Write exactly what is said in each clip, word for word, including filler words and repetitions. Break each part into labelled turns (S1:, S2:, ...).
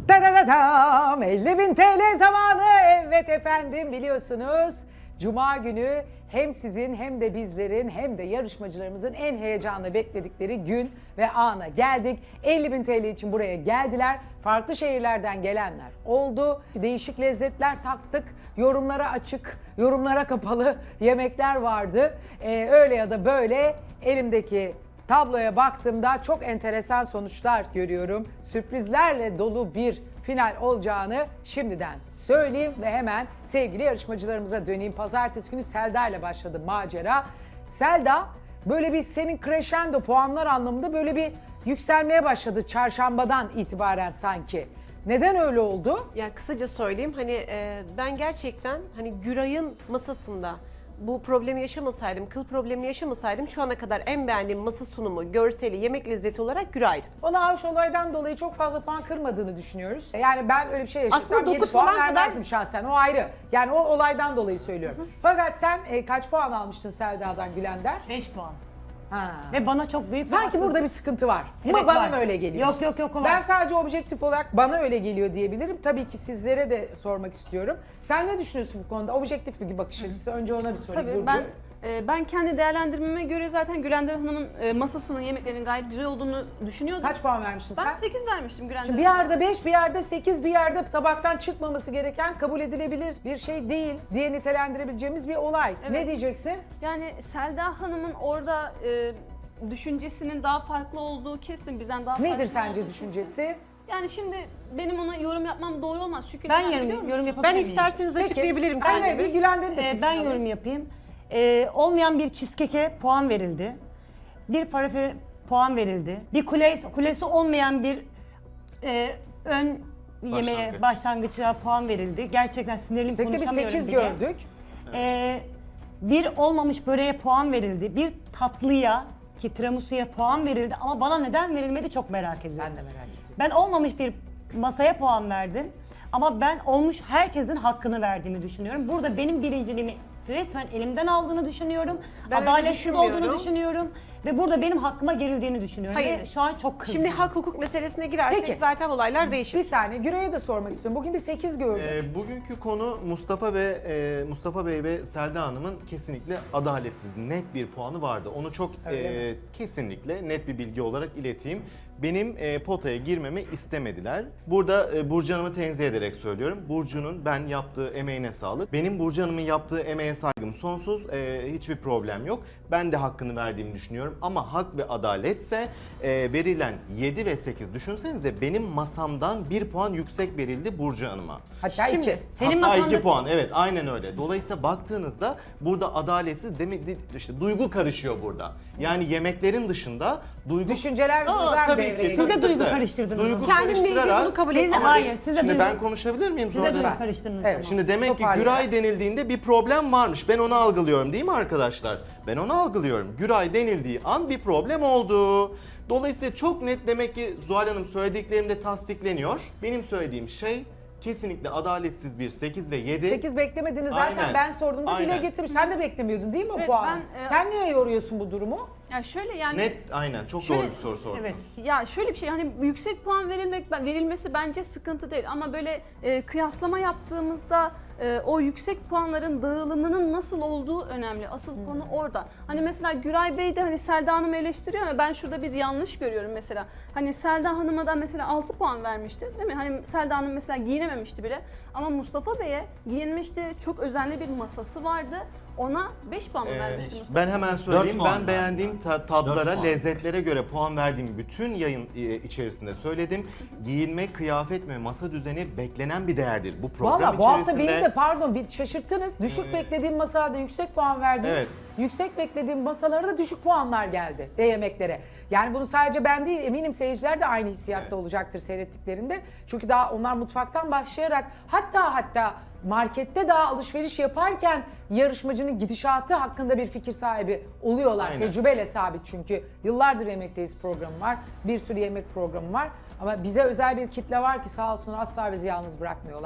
S1: Da da da dam, elli bin T L zamanı. Evet efendim, biliyorsunuz Cuma günü hem sizin hem de bizlerin hem de yarışmacılarımızın en heyecanla bekledikleri gün ve ana geldik. elli bin T L için buraya geldiler. Farklı şehirlerden gelenler oldu. Değişik lezzetler taktık. Yorumlara açık, yorumlara kapalı yemekler vardı. Ee, öyle ya da böyle elimdeki tabloya baktığımda çok enteresan sonuçlar görüyorum. Sürprizlerle dolu bir final olacağını şimdiden söyleyeyim ve hemen sevgili yarışmacılarımıza döneyim. Pazartesi günü Selda ile başladı macera. Selda, böyle bir senin crescendo puanlar anlamında böyle bir yükselmeye başladı çarşambadan itibaren sanki. Neden öyle oldu?
S2: Yani kısaca söyleyeyim, hani e, ben gerçekten hani Güray'ın masasında bu problemi yaşamasaydım, kıl problemini yaşamasaydım şu ana kadar en beğendiğim masa sunumu, görseli, yemek lezzeti olarak Güray'dı.
S1: Ona hoş olaydan dolayı çok fazla puan kırmadığını düşünüyoruz. Yani ben öyle bir şey yaşasam
S2: Aslında
S1: yedi
S2: dokuz
S1: puan
S2: falan kadar-
S1: vermezdim şahsen, o ayrı. Yani o olaydan dolayı söylüyorum. Hı hı. Fakat sen e, kaç puan almıştın Selda'dan Gülender?
S3: beş puan.
S1: Ha.
S3: Ve bana çok büyük
S1: Sanki
S3: haksızlık.
S1: burada bir sıkıntı var.
S3: Evet,
S1: Ama bana
S3: var.
S1: mı öyle geliyor?
S3: Yok yok yok. o var.
S1: Ben sadece objektif olarak bana öyle geliyor diyebilirim. Tabii ki sizlere de sormak istiyorum. Sen ne düşünüyorsun bu konuda? Objektif bir bakış açısı. Önce ona bir sorayım.
S4: Tabii
S1: Burcu.
S4: ben e, ben kendi değerlendirmeme göre zaten Gülender Hanım'ın e, masasının, yemeklerinin gayet güzel olduğunu düşünüyordum.
S1: Kaç puan vermiştin
S4: Ben
S1: sen?
S4: sekiz vermiştim Gülender
S1: Şimdi bir
S4: Hanım'a.
S1: yerde beş, bir yerde sekiz, bir yerde tabaktan çıkmaması gereken, kabul edilebilir bir şey değil diye nitelendirebileceğimiz bir olay.
S4: Evet.
S1: Ne diyeceksin?
S4: Yani Selda Hanım'ın orada e, düşüncesinin daha farklı olduğu kesin, bizden daha farklı
S1: Nedir
S4: olduğu
S1: sence
S4: kesin.
S1: düşüncesi?
S4: Yani şimdi benim ona yorum yapmam doğru olmaz çünkü
S3: Ben
S4: neden biliyor
S3: yorum,
S4: musun?
S3: yorum yapabilir
S2: Ben
S3: miyim?
S2: isterseniz açıklayabilirim
S1: Hayır, hayır, bir
S2: kendimi.
S1: Gülender'in de
S3: Ee,
S1: fikrini
S3: ben
S1: alayım.
S3: yorum yapayım. Ee, olmayan bir cheesecake'e puan verildi. Bir falafel puan verildi. Bir kulesi, kulesi olmayan bir e, ön yemeğe,
S5: Başlangıç.
S3: başlangıça puan verildi. Gerçekten sinirliyim,
S1: Tek de bir
S3: konuşamıyorum
S1: sekiz
S3: bile.
S1: gördük.
S3: Ee, bir olmamış böreğe puan verildi. Bir tatlıya ki tiramisu'ya puan verildi ama bana neden verilmedi çok merak ediyorum.
S1: Ben de merak ediyorum.
S3: Ben olmamış bir masaya puan verdim ama ben olmuş herkesin hakkını verdiğimi düşünüyorum. Burada benim birinciliğimi resmen elimden aldığını düşünüyorum.
S2: Ben öyle
S3: Adaletsiz olduğunu
S2: düşünmüyorum.
S3: düşünüyorum ve burada benim hakkıma gerildiğini düşünüyorum.
S2: Hayır.
S3: Ve şu an çok kızdım.
S2: Şimdi hak hukuk meselesine girersek
S1: Peki.
S2: zaten olaylar değişir.
S1: Bir saniye, Güray'a da sormak istiyorum. Bugün bir sekiz gördük.
S5: Ee, bugünkü konu Mustafa ve e, Mustafa Bey ve Selda Hanım'ın kesinlikle adaletsiz, net bir puanı vardı. Onu çok
S1: Öyle
S5: e, kesinlikle net bir bilgi olarak ileteyim. Benim e, potaya girmemi istemediler. Burada e, Burcu Hanım'ı tenzih ederek söylüyorum. Burcu'nun ben yaptığı emeğine sağlık. Benim Burcu Hanım'ın yaptığı emeğe saygım sonsuz. E, hiçbir problem yok. Ben de hakkını verdiğimi düşünüyorum. Ama hak ve adaletse e, verilen yedi ve sekiz, düşünsenize benim masamdan bir puan yüksek verildi Burcu Hanım'a.
S1: Hatta
S2: Şimdi,
S1: iki.
S3: Senin
S5: Hatta
S3: masanda-
S5: iki puan, evet, aynen öyle. Dolayısıyla baktığınızda burada adaletsiz demek, işte duygu karışıyor burada. Yani yemeklerin dışında duygu...
S1: Düşünceler ve
S5: Aa,
S1: duygular
S5: tabii
S1: devreye
S5: ki,
S1: giriyor.
S3: Siz de
S5: tabii,
S3: duygu
S5: tabii.
S3: karıştırdınız
S5: Duygu
S3: ama.
S2: Kendimle ilgili
S5: karıştırarak-
S2: bunu kabul
S3: Siz-
S2: etmem.
S3: hayır, siz de
S5: Şimdi
S3: duygu,
S5: ben konuşabilir miyim
S3: siz de
S5: Zuhal
S3: duygu
S5: Hanım?
S3: karıştırdınız.
S1: Evet.
S3: ama.
S5: Şimdi demek ki
S1: Toparlayalım.
S5: Güray denildiğinde bir problem varmış. Ben onu algılıyorum değil mi arkadaşlar? Ben onu algılıyorum. Güray denildiği an bir problem oldu. Dolayısıyla çok net, demek ki Zuhal Hanım söylediklerimde tasdikleniyor. Benim söylediğim şey kesinlikle adaletsiz bir sekiz ve yedi.
S1: sekiz beklemediğini zaten
S5: Aynen.
S1: ben sorduğumda dile
S5: Aynen.
S1: getirmiş. Sen de beklemiyordun değil mi o
S4: Evet,
S1: puanı?
S4: ben, e,
S1: Sen niye yoruyorsun bu durumu?
S4: Yani şöyle yani
S5: Net, aynen, çok
S4: Şöyle-
S5: doğru bir soru sordunuz.
S3: Evet.
S4: ya şöyle bir şey, hani yüksek puan verilmek verilmesi bence sıkıntı değil ama böyle e, kıyaslama yaptığımızda e, o yüksek puanların dağılımının nasıl olduğu önemli. Asıl konu orada. Hani mesela Güray Bey de hani Selda Hanım'ı eleştiriyor ama ben şurada bir yanlış görüyorum mesela. Hani Selda Hanım'a da mesela altı puan vermişti değil mi? Hani Selda Hanım mesela giyinememişti bile ama Mustafa Bey'e giyinmişti. Çok özenli bir masası vardı. Ona beş puan mı
S5: Ee,
S4: vermişti Mustafa?
S5: ben hemen söyleyeyim.
S6: puan
S5: Ben
S6: ben.
S5: beğendiğim ta-
S6: Dört
S5: tatlara,
S6: puan.
S5: lezzetlere göre puan verdiğim bütün yayın e, içerisinde söyledim. Giyinme, kıyafet ve masa düzeni beklenen bir değerdir bu program
S1: Valla bu hafta
S5: içerisinde.
S1: beni de pardon bir şaşırttınız. Düşük beklediğim masalarda yüksek puan verdiniz.
S5: Evet.
S1: Yüksek beklediğim masalara da düşük puanlar geldi ve yemeklere. Yani bunu sadece ben değil, eminim seyirciler de aynı hissiyatta
S5: Evet.
S1: olacaktır seyrettiklerinde. Çünkü daha onlar mutfaktan başlayarak hatta hatta markette daha alışveriş yaparken yarışmacının gidişatı hakkında bir fikir sahibi oluyorlar.
S5: Aynen.
S1: Tecrübeyle sabit çünkü. Yıllardır Yemekteyiz programı var. Bir sürü yemek programı var. Ama bize özel bir kitle var ki sağ olsun asla bizi yalnız bırakmıyorlar.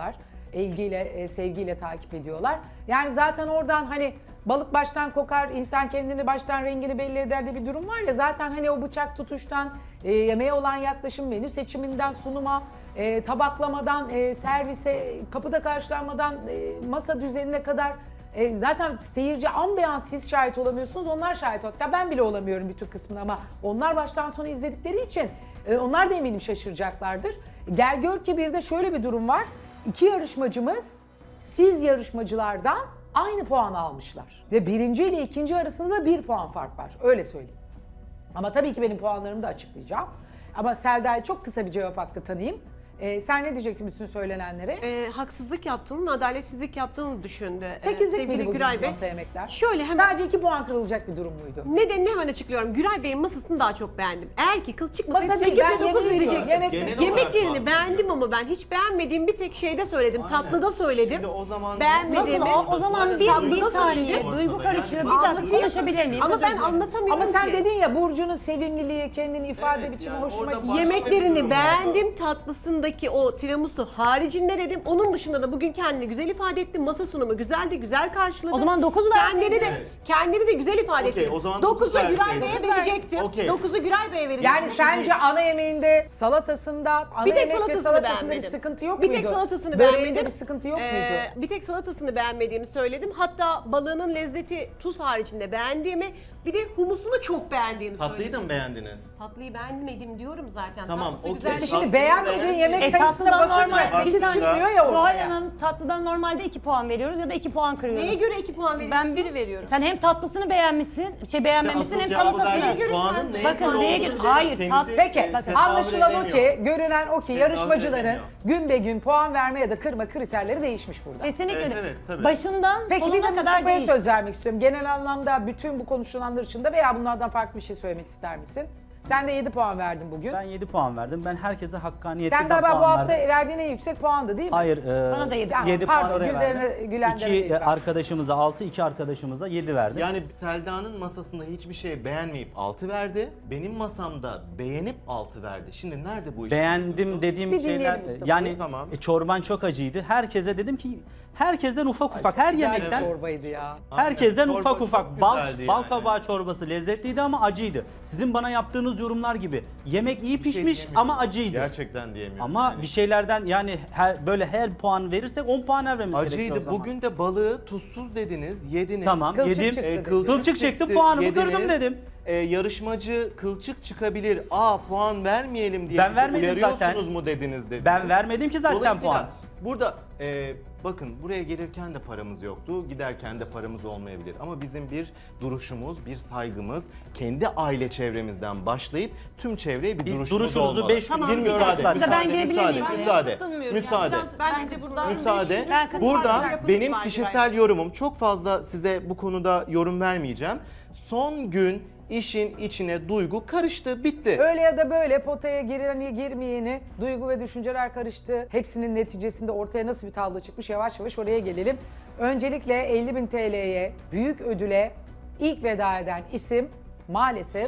S1: ilgiyle, e, sevgiyle takip ediyorlar. Yani zaten oradan hani balık baştan kokar, insan kendini baştan rengini belli eder de bir durum var ya. Zaten hani o bıçak tutuştan, e, yemeğe olan yaklaşım, menü seçiminden sunuma, e, tabaklamadan, e, servise, kapıda karşılanmadan e, masa düzenine kadar e, zaten seyirci an be an siz şahit olamıyorsunuz, onlar şahit. Hatta ben bile olamıyorum bütün kısmını ama onlar baştan sona izledikleri için e, onlar da eminim şaşıracaklardır. Gel gör ki bir de şöyle bir durum var. İki yarışmacımız siz yarışmacılardan aynı puan almışlar. Ve birinci ile ikinci arasında da bir puan fark var. Öyle söyleyeyim. Ama tabii ki benim puanlarımı da açıklayacağım. Ama Selda'ya çok kısa bir cevap hakkı tanıyayım. Ee, sen ne diyecektin bütün söylenenlere?
S2: E, haksızlık yaptığını, adaletsizlik yaptığını düşündü. E,
S1: Sekizlik
S2: sevgili
S1: miydi bugün
S2: Güray Bey.
S1: masa yemekler?
S2: Şöyle hemen
S1: Sadece iki puan kırılacak bir durum muydu?
S2: nedenini hemen açıklıyorum. Güray Bey'in masasını daha çok beğendim. Eğer ki kıl çıkmasaydı
S1: Masa değil,
S2: sekiz
S1: ben
S2: ve dokuz
S1: yemeği
S2: verecektim.
S1: diyorum. Yemek-
S5: Genel olarak
S2: Yemeklerini
S5: bahsediyorum.
S2: beğendim ama ben hiç beğenmediğim bir tek şeyde söyledim.
S5: Aynen.
S2: Tatlıda söyledim.
S5: Şimdi o zaman-
S2: Beğenmediğimi.
S3: Nasıl o, o zaman bir,
S2: Tatlıda
S3: bir saniye
S2: söyledim.
S3: duygu karışıyor. Bir
S2: Anlatayım.
S3: dakika konuşabilir miyim?
S2: Ama
S3: Özür
S2: ben
S3: dilerim.
S2: anlatamıyorum
S1: Ama sen
S2: ki.
S1: dedin ya Burcu'nun sevimliliği, kendini ifade
S5: Evet,
S1: biçimi
S5: yani
S1: hoşuma
S5: orada
S1: gitti.
S5: başka bir durum
S2: Yemeklerini
S5: var.
S2: beğendim. Tatlısındaki o tiramisu haricinde dedim. Onun dışında da bugün kendini güzel ifade etti. Masa sunumu güzeldi, güzel karşıladı.
S3: O zaman dokuz
S2: Kendini
S3: verseydin.
S2: de
S5: Evet.
S2: kendini de güzel ifade
S5: Okey,
S2: etti.
S5: o zaman dokuz
S2: dokuzu Güray
S5: verseydin.
S2: Bey'e verecektim.
S5: Okey.
S2: dokuzu Güray Bey'e verecektim.
S1: Yani sence ana yemeğinde, salatasında, ana
S2: bir tek
S1: yemek ve
S2: salatasını
S1: salatasında bir
S2: beğenmedim.
S1: sıkıntı yok
S2: bir
S1: muydu?
S2: tek salatasını
S1: Böreğinde
S2: beğenmedim.
S1: bir sıkıntı yok
S2: Ee,
S1: muydu?
S2: Bir tek salatasını beğenmediğimi söyledim. Hatta balığının lezzeti tuz haricinde beğendiğimi, bir de humusunu çok beğendiğimi
S5: Tatlıyı
S2: söyledim.
S5: da mı beğendiniz?
S2: Tatlıyı beğenmedim diyorum zaten.
S5: Tamam,
S2: Tatlısı
S5: okey.
S2: güzel.
S1: Peki
S5: Tatlı
S1: şimdi beğenmediğin
S5: beğenmedim.
S1: yemek
S3: E,
S1: sayısına
S3: tatlıdan
S1: bakınca
S3: normal
S1: sekiz
S5: sekiz
S1: çıkmıyor ya
S3: Zuhal
S1: ortaya.
S3: Hanım tatlıdan normalde iki puan veriyoruz ya da iki puan kırıyoruz.
S2: Neye göre iki puan veriyorsun?
S4: Ben bir veriyorum.
S3: Sen hem tatlısını beğenmişsin, şey beğenmemişsin
S5: asıl
S3: hem
S5: cevabı
S3: salatasını.
S5: verdim.
S2: göre
S5: Puanın
S2: sen-
S5: neye
S3: Bakın,
S5: göre
S3: neye
S5: olduğunu
S3: göre-
S5: bile
S3: hayır,
S5: kendisi,
S3: tat-
S1: Peki
S5: e, tesavvür
S1: anlaşılan o
S5: edemiyor.
S1: ki, görünen o ki
S5: Tesavvür
S1: yarışmacıların
S5: edemiyor.
S1: gün be gün puan verme ya da kırma kriterleri değişmiş burada.
S3: Kesinlikle.
S5: Evet,
S3: öyle.
S5: evet, tabii.
S3: Başından
S1: Peki bir de
S3: sonuna kadar
S1: Mustafa'ya
S3: değil.
S1: söz vermek istiyorum. Genel anlamda bütün bu konuşulanlar dışında veya bunlardan farklı bir şey söylemek ister misin? Sen de yedi puan verdin bugün.
S6: Ben yedi puan verdim. Ben herkese hakkaniyetle
S1: Sen galiba bu
S6: puan
S1: hafta
S6: verdim.
S1: verdiğin en yüksek puandı değil mi?
S6: Hayır, e,
S3: Bana da yedi.
S6: yedi
S1: Pardon,
S6: puan oraya
S1: Gülden'e-
S6: verdim.
S1: Gülenden'e
S6: İki
S1: yedi
S6: e,
S1: verdim.
S6: arkadaşımıza altı, iki arkadaşımıza yedi verdim.
S5: Yani Selda'nın masasında hiçbir şey beğenmeyip altı verdi. Benim masamda beğenip altı verdi. Şimdi nerede bu iş?
S6: Beğendim dediğim
S1: Bir dinleyelim
S6: şeyler,
S1: Mustafa'yı.
S6: yani
S5: Tamam.
S6: e, çorban çok acıydı. Herkese dedim ki, herkesten ufak ufak, her
S1: Güzel bir
S6: yemekten,
S1: çorbaydı ya.
S6: herkesten
S5: Aynen,
S6: ufak
S5: çorba
S6: ufak.
S5: çok
S6: Bal,
S5: güzeldi
S6: bal
S5: yani.
S6: kabağı çorbası lezzetliydi ama acıydı. Sizin bana yaptığınız yorumlar gibi. Yemek iyi
S5: Bir şey
S6: pişmiş
S5: diyemiyorum.
S6: ama acıydı.
S5: Gerçekten diyemiyorum.
S6: Ama
S5: yani.
S6: bir şeylerden yani her, böyle her puan verirsek on puan vermemiz gerekiyor o
S5: Acıydı.
S6: zaman.
S5: Bugün de balığı tuzsuz dediniz, yediniz.
S6: Tamam,
S1: Kılçık
S6: yedim.
S1: çıktı
S5: E,
S1: dedi.
S6: Kılçık çıktı, puanımı
S5: yediniz.
S6: kırdım dedim.
S5: E, yarışmacı kılçık çıkabilir. Aa puan vermeyelim diye
S6: Ben
S5: bizi
S6: vermedim
S5: uyarıyorsunuz
S6: zaten.
S5: mu dediniz dediniz.
S6: Ben vermedim ki zaten
S5: Dolayısıyla
S6: puan.
S5: burada e, bakın buraya gelirken de paramız yoktu, giderken de paramız olmayabilir. Ama bizim bir duruşumuz, bir saygımız, kendi aile çevremizden başlayıp tüm çevreye bir
S6: Biz
S5: duruşumuz
S6: duruşunuzu
S5: olmalı.
S6: beş gün
S5: bir
S6: gördük
S5: müsaade,
S6: zaten.
S5: müsaade,
S3: Ben girebilir
S5: müsaade,
S3: miyim?
S5: müsaade,
S4: Katılmıyorum
S5: müsaade.
S4: Yani. Biraz
S2: Ben
S4: bence
S2: de
S4: burada
S5: Müsaade.
S3: Ben katılıyorum.
S5: Burada
S4: Yapımız
S5: benim
S4: var
S5: kişisel yorumum, çok fazla size bu konuda yorum vermeyeceğim. Son gün işin içine duygu karıştı, bitti.
S1: Öyle ya da böyle potaya gireni girmeyeni, duygu ve düşünceler karıştı. Hepsinin neticesinde ortaya nasıl bir tablo çıkmış, yavaş yavaş oraya gelelim. Öncelikle elli bin T L'ye, büyük ödüle ilk veda eden isim maalesef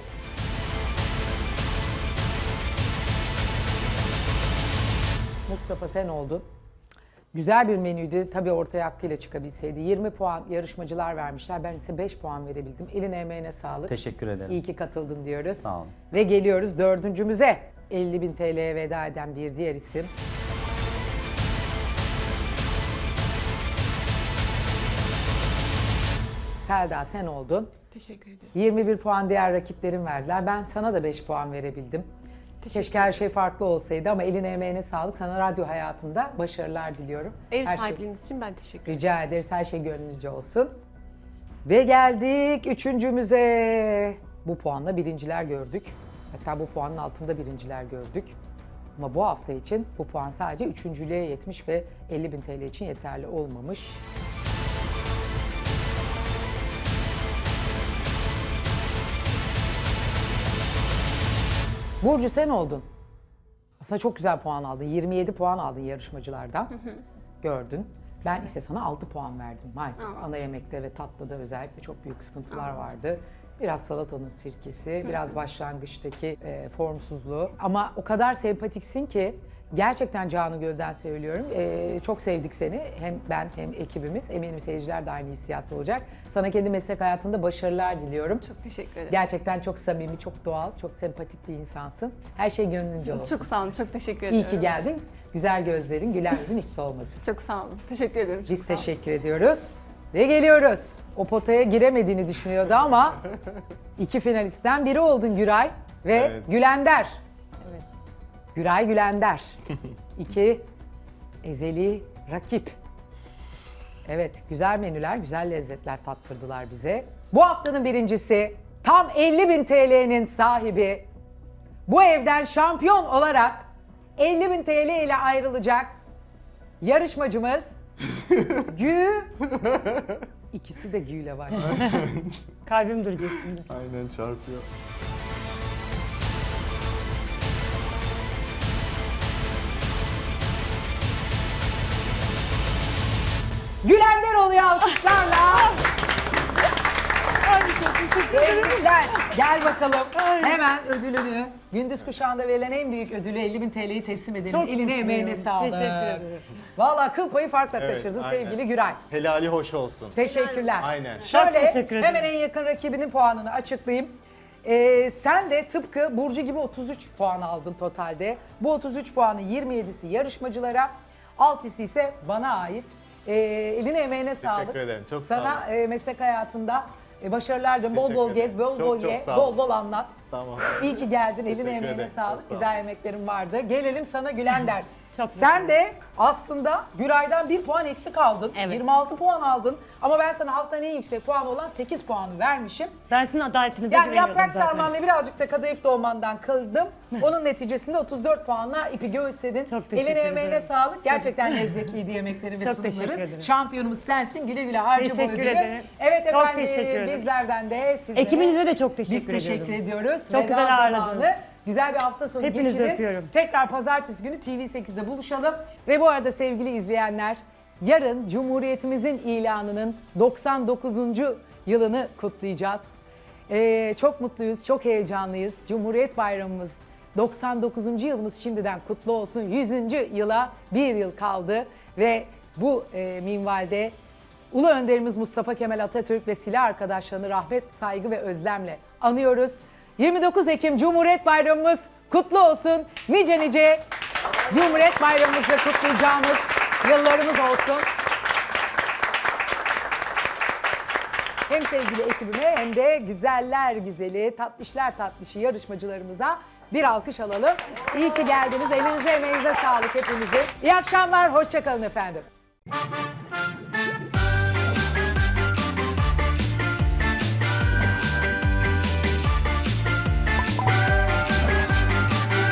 S1: Mustafa sen oldun. Güzel bir menüydü. Tabii ortaya hakkıyla çıkabilseydi. yirmi puan yarışmacılar vermişler. Ben ise beş puan verebildim. Eline emeğine sağlık.
S6: Teşekkür ederim.
S1: İyi ki katıldın diyoruz.
S6: Sağ olun.
S1: Ve geliyoruz dördüncümüze. elli bin T L'ye veda eden bir diğer isim. Selda sen oldun.
S2: Teşekkür ederim.
S1: yirmi bir puan diğer rakiplerim verdiler. Ben sana da beş puan verebildim. Keşke her şey farklı olsaydı ama eline emeğine sağlık. Sana radyo hayatında başarılar diliyorum.
S2: Ev
S1: Her şey-
S2: sahipliğiniz için ben teşekkür ederim.
S1: Rica ederiz. Her şey gönlünüzce olsun. Ve geldik üçüncümüze. Bu puanla birinciler gördük. Hatta bu puanın altında birinciler gördük. Ama bu hafta için bu puan sadece üçüncülüğe yetmiş ve elli bin T L için yeterli olmamış. Burcu sen oldun. Aslında çok güzel puan aldın. yirmi yedi puan aldın yarışmacılardan. Gördün. Ben ise sana altı puan verdim maalesef. Ana yemekte ve tatlıda özellikle çok büyük sıkıntılar vardı. Biraz salatanın sirkesi, biraz başlangıçtaki e, formsuzluğu. Ama o kadar sempatiksin ki Gerçekten canı gölden söylüyorum. Ee, çok sevdik seni. Hem ben hem ekibimiz. Eminim seyirciler de aynı hissiyatta olacak. Sana kendi meslek hayatında başarılar diliyorum.
S4: Çok teşekkür ederim.
S1: Gerçekten çok samimi, çok doğal, çok sempatik bir insansın. Her şey gönlünce olsun.
S4: Çok sağ olun, çok teşekkür
S1: İyi
S4: ediyorum.
S1: ki geldin. Güzel gözlerin, güler yüzün hiç solmasın.
S4: Çok sağ olun. Teşekkür ederim. Çok
S1: Biz
S4: sağ olun.
S1: teşekkür ediyoruz. Ve geliyoruz. O potaya giremediğini düşünüyordu ama iki finalistten biri oldun Güray ve
S5: Evet.
S1: Gülender. Güray Gülender. İki ezeli rakip. Evet, güzel menüler, güzel lezzetler tattırdılar bize. Bu haftanın birincisi, tam elli bin T L'nin sahibi, bu evden şampiyon olarak elli bin T L ile ayrılacak yarışmacımız Gü. İkisi de Gü ile var.
S3: Kalbim duracak şimdi.
S5: Aynen çarpıyor.
S1: Gülender oluyor alkışlarla. Tebrikler. Gel bakalım. Hemen ödülünü, gündüz kuşağında verilen en büyük ödülü elli bin T L'yi teslim edelim.
S3: Çok
S1: Eline emeğine
S3: mutluyum.
S1: sağlık.
S3: Teşekkür ederim.
S1: Vallahi kıl payı farkla
S5: Evet,
S1: kaçırdın
S5: aynen.
S1: sevgili Güray.
S5: Helali hoş olsun.
S1: Teşekkürler.
S5: Aynen.
S1: Şöyle
S3: teşekkür ederim.
S1: hemen en yakın rakibinin puanını açıklayayım. Ee, sen de tıpkı Burcu gibi otuz üç puan aldın totalde. Bu otuz üç puanın yirmi yedisi yarışmacılara, altısı ise bana ait. Ee, eline emeğine sağlık.
S5: ederim, çok sağ
S1: Sana e, meslek hayatında e, başarılar diliyorum. Bol bol
S5: Teşekkür
S1: gez,
S5: ederim.
S1: bol
S5: Çok
S1: bol
S5: çok
S1: ye,
S5: sağ
S1: bol
S5: olun.
S1: bol anlat.
S5: Tamam.
S1: İyi ki geldin. Eline
S5: Teşekkür
S1: emeğine
S5: ederim,
S1: sağlık.
S5: çok sağ
S1: Güzel
S5: olun.
S1: emeklerin vardı. Gelelim sana Gülender.
S3: Çok
S1: Sen de aslında Güray'dan bir puan eksik aldın.
S3: Evet.
S1: yirmi altı puan aldın. Ama ben sana haftanın en yüksek puanı olan sekiz puanı vermişim.
S3: Ben sizin adaletinize
S1: Yani
S3: güveniyordum
S1: yaprak
S3: zaten.
S1: sarman ve birazcık da kadayıf dolmandan kırdım. Onun neticesinde otuz dört puanla ipi göğüsledin.
S3: Çok teşekkür
S1: Eline emeğine
S3: ederim.
S1: sağlık. Gerçekten lezzetliydi yemekleri ve
S3: Çok
S1: sunumları.
S3: teşekkür ederim.
S1: Şampiyonumuz sensin. Güle güle harca bu
S3: Teşekkür
S1: ödülü.
S3: ederim.
S1: Evet
S3: Çok
S1: efendim
S3: teşekkür ederim.
S1: bizlerden de sizlere.
S3: Ekibinize de çok teşekkür
S1: Biz teşekkür
S3: ediyorum.
S1: ediyoruz.
S3: Çok
S1: Veda
S3: güzel ağırladınız.
S1: zamanı. Güzel bir hafta sonu
S3: Hepinizi
S1: geçirin.
S3: öpüyorum.
S1: Tekrar pazartesi günü T V sekizde buluşalım. Ve bu arada sevgili izleyenler, yarın Cumhuriyetimizin ilanının doksan dokuzuncu yılını kutlayacağız. Ee, çok mutluyuz, çok heyecanlıyız. Cumhuriyet Bayramımız doksan dokuzuncu yılımız şimdiden kutlu olsun. yüzüncü yıla bir yıl kaldı ve bu e, minvalde Ulu Önderimiz Mustafa Kemal Atatürk ve silah arkadaşlarını rahmet, saygı ve özlemle anıyoruz. yirmi dokuz Ekim Cumhuriyet Bayramımız kutlu olsun. Nice nice Cumhuriyet Bayramımızı kutlayacağımız yıllarımız olsun. Hem sevgili ekibime hem de güzeller güzeli, tatlışlar tatlışı yarışmacılarımıza bir alkış alalım. İyi ki geldiniz. Elinize emeğinize sağlık hepinizin. İyi akşamlar, hoşça kalın efendim.